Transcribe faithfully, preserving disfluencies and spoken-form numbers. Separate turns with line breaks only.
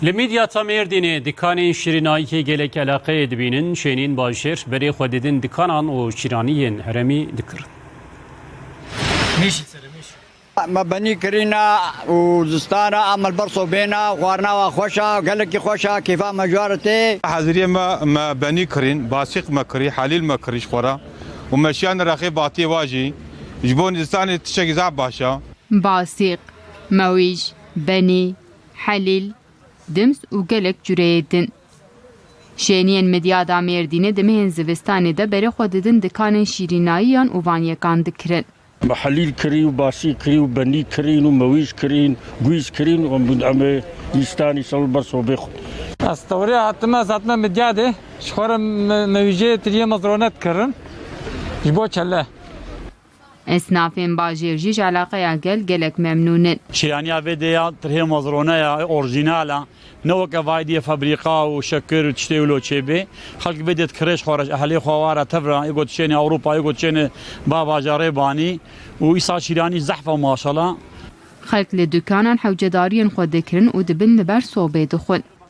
لميديا تاميرديني دكانين شيرينايكي gelek علاقه دبينن شينين باشر بري خوددين دكانان و شيرانيين هرمي ذكر
ماشي ماشي
ما بني كرينا وزستانا عمل برصو بينا وارنا وخوشا قالك خوشا كيف مجارتي
حاضرية ما ما بني كرين باسق ما كري حليل ما كريش خورا ومشيان رخي باطي واجي جبون زستاني تشكي زعب باشا
باسق مويج بني حليل دمس و gelek cüreyedin. Şeniyên medya da Mêrdînê demehên zivistanê de berê xwe didin dikanên şîrînayî yan û vanyekan dikirin.
حليل كري وباسي كري وبني كرين ومويش كرين قويس كرين ومدعمة يستاني سول برسو بيخو
استوري حتما زاتنا مدياده شخورا مويجه تريه مزرونات كرن جبو چله
Esnafên bajêr jî ji alaqeya gel gelek memnûnin.
شيرانيا فيديا ترهي مزرونه اورجينالا نوك فايدي فابريقا وشكر تشتي ولو تشيبي خلق بدت كريش خورج اهلي خواره تفرا يقول تشيني اوروبا يقول تشيني بابا جاريباني ويسا شيراني زحفه ما شاء الله
Xelk li dukanan hewcedariyên xwe dikirin û dibin li ber sobê dixwin.